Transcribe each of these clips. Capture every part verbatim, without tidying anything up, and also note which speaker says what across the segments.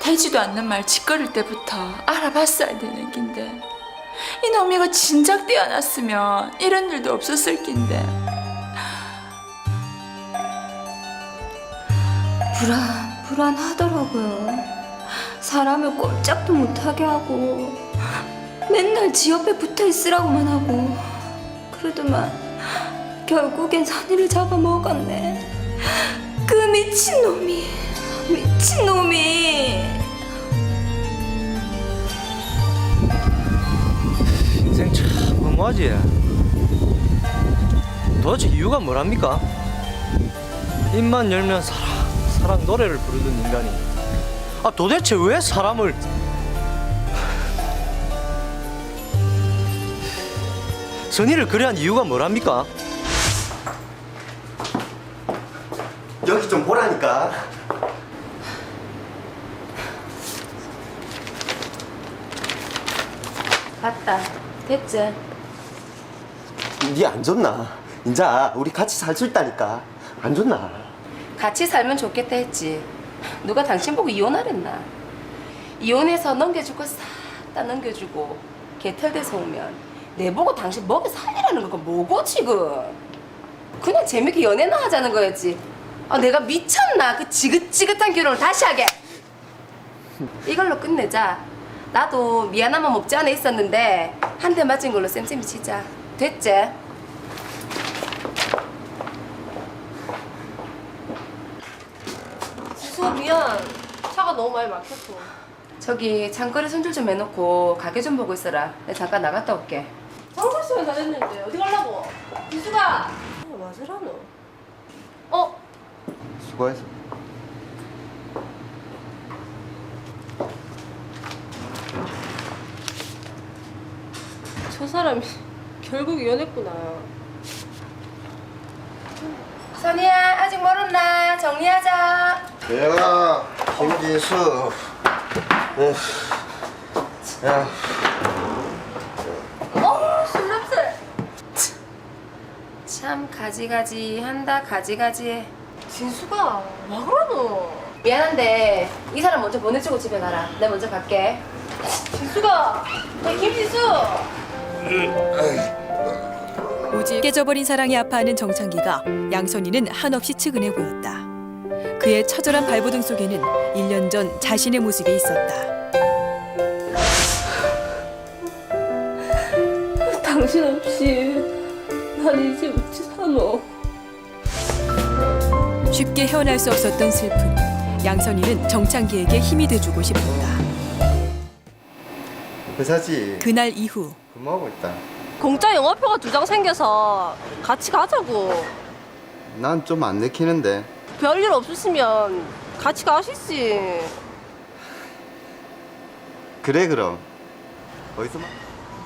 Speaker 1: 되지도 않는 말 짓거릴 때부터 알아봤어야 되는 긴데 이 놈이가 진작 떼어놨으면 이런 일도 없었을 긴데.
Speaker 2: 불안, 불안하더라고요. 사람을 꼼짝도 못하게 하고 맨날 지 옆에 붙어 있으라고만 하고 그러더만 결국엔 선의를 잡아먹었네. 그 미친놈이, 미친놈이.
Speaker 3: 인생 참 무모하지. 도대체 이유가 뭐랍니까? 입만 열면 사랑, 사랑 노래를 부르는 인간이 아 도대체 왜 사람을 선의를 그래 한 이유가 뭐랍니까?
Speaker 4: 여기 좀 보라니까.
Speaker 2: 봤다. 됐지?
Speaker 4: 니 안 좋나? 인자 우리 같이 살 수 있다니까. 안 좋나?
Speaker 5: 같이 살면 좋겠다 했지. 누가 당신 보고 이혼하랬나? 이혼해서 넘겨줄 거 싹 다 넘겨주고 개털돼서 오면 내 보고 당신 먹여 살리라는 거가 뭐고 지금? 그냥 재밌게 연애나 하자는 거였지. 아 내가 미쳤나? 그 지긋지긋한 결혼을 다시 하게. 이걸로 끝내자. 나도 미안한 마음 없지 않아 있었는데 한 대 맞은 걸로 쌤쌤이 치자. 됐지?
Speaker 6: 지수야 미안. 차가 너무 많이 막혔어.
Speaker 5: 저기 장거리 손질 좀 해놓고 가게 좀 보고 있어라. 내가 잠깐 나갔다 올게.
Speaker 6: 장거 시간 다 됐는데 어디 가려고? 지수가. 어, 맞으라노. 어?
Speaker 4: 수고했어.
Speaker 6: 저 사람이 결국 이혼했구나.
Speaker 5: 선이야 아직 멀었나? 정리하자.
Speaker 4: 내가 김진수. 네. 야,
Speaker 5: 어, 술 냄새. 참 가지가지 한다 가지가지.
Speaker 6: 진수가 와 그러노?
Speaker 5: 미안한데 이 사람 먼저 보내주고 집에 가라. 내가 먼저 갈게.
Speaker 6: 진수가. 야 김진수.
Speaker 7: 오직 깨져버린 사랑에 아파하는 정창기가 양선이는 한없이 측은해 보였다. 그의 처절한 발버둥 속에는 일 년 전 자신의 모습이 있었다.
Speaker 6: 당신 없이 난 이제 어찌 사노?
Speaker 7: 쉽게 헤어날 수 없었던 슬픔. 양선이는 정창기에게 힘이 돼주고 싶었다.
Speaker 4: 회사지.
Speaker 7: 그날 이후
Speaker 4: 근무하고 있다.
Speaker 6: 공짜 영화표가 두 장 생겨서 같이 가자고.
Speaker 4: 난 좀 안 내키는데.
Speaker 6: 별일 없으시면 같이 가시지.
Speaker 4: 그래 그럼. 어디서 만?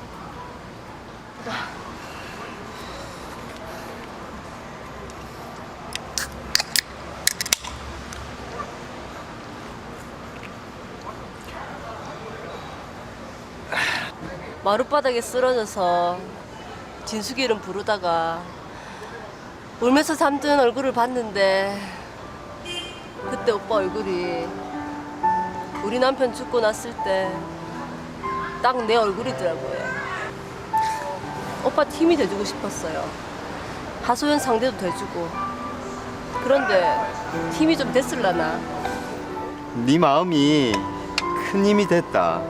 Speaker 6: 마룻바닥에 쓰러져서 진숙이 이름 부르다가 울면서 잠든 얼굴을 봤는데 그때 오빠 얼굴이 우리 남편 죽고 났을 때 딱 내 얼굴이더라고요. 오빠 팀이 돼주고 싶었어요. 하소연 상대도 돼주고. 그런데 팀이 좀 됐을라나?
Speaker 4: 네 마음이 큰 힘이 됐다.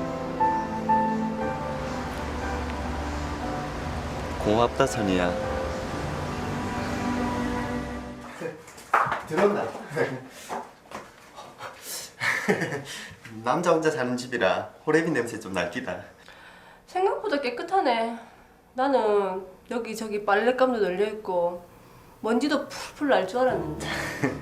Speaker 4: 고맙다 선이야. 들었나? 남자 혼자 사는 집이라 호레비 냄새 좀 날기다.
Speaker 6: 생각보다 깨끗하네. 나는 여기저기 빨랫감도 널려있고 먼지도 풀풀 날 줄 알았는데.